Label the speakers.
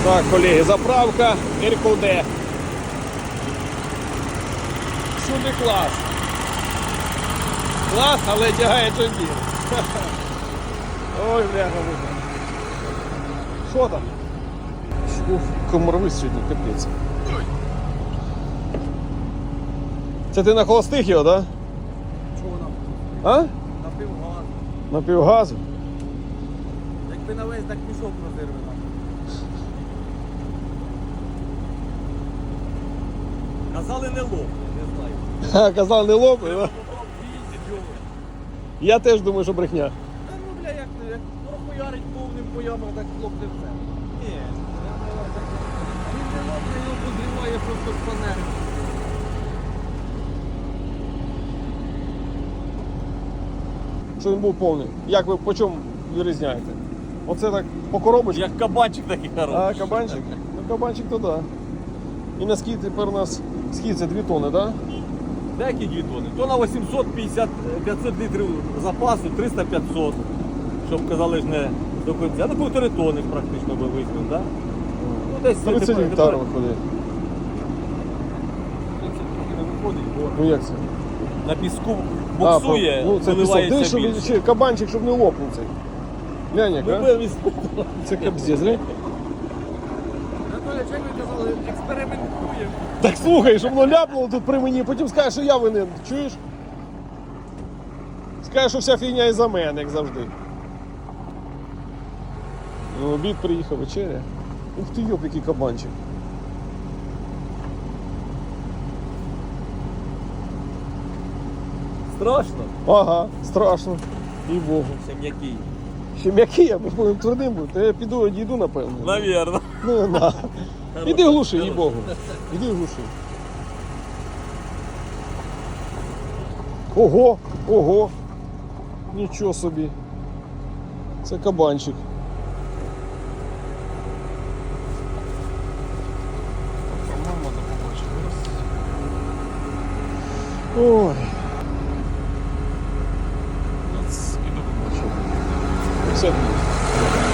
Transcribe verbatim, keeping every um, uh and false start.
Speaker 1: Так, колеги, заправка РКД. Всюди клас. Клас, але тягає джондір. Ой, бляха, муха. Що там? Ух, комарви сьогодні, капець. Це ти на холостих його, так? Да?
Speaker 2: Чого нам?
Speaker 1: А?
Speaker 2: На півгазу.
Speaker 1: На півгазу?
Speaker 2: Якби на весь, так пішов розірве нам. Казали не лоб, не знаю.
Speaker 1: Ха, казав, не лопай, да?
Speaker 2: Попав
Speaker 1: Я теж думаю, що брехня.
Speaker 2: Та ну бля, як, як прохуярить повним по ямах, так хлопне все. Ні, він не лопне, його подриває просто з фанери.
Speaker 1: Що він був повний. Як ви по чому вирізняєте? Оце так по коробочці?
Speaker 2: Як кабанчик такий хороший.
Speaker 1: А, кабанчик? Ну, кабанчик то да. І на скид тепер у нас, скид це дві тони, так? Да?
Speaker 2: Деякі дві тони. То на вісімсот п'ятдесят п'ятсот літрів запасу, триста п'ятсот. Щоб казали ж не до кінця. Ну півтори тони практично би візьмемо, так? Ну десь це
Speaker 1: тридцять
Speaker 2: тепер-
Speaker 1: гектарів
Speaker 2: тепер-
Speaker 1: виходить.
Speaker 2: тридцять трохи не виходить, бо
Speaker 1: Ну як це?
Speaker 2: на піску
Speaker 1: А,
Speaker 2: буксує,
Speaker 1: ну, це пісок.
Speaker 2: виливається
Speaker 1: Ти, щоб
Speaker 2: більше.
Speaker 1: ще кабанчик, щоб не лопнув цей. Глянь, як,
Speaker 2: Ми
Speaker 1: а?
Speaker 2: будемо
Speaker 1: Це капздець, глянь.
Speaker 2: Анатолій, як ви казали, експериментуємо.
Speaker 1: Так слухай, щоб воно ляпнуло тут при мені, потім скажеш, що я винен. Чуєш? Скажеш, що вся фігня із-за мене, як завжди. Ну, обід приїхав, вечеря. Ух ти, йоп, який кабанчик.
Speaker 2: Страшно?
Speaker 1: Ага, страшно. І Богу.
Speaker 2: Ще м'який.
Speaker 1: Ще м'який, я буду твердим буду. Та я піду одійду, напевно.
Speaker 2: Навірно.
Speaker 1: Ну, на. Іди глуши, їй Богу. Іди глуши. Ого, ого. Нічого собі. Це кабанчик. Ой. Піду побачимо. Все буде.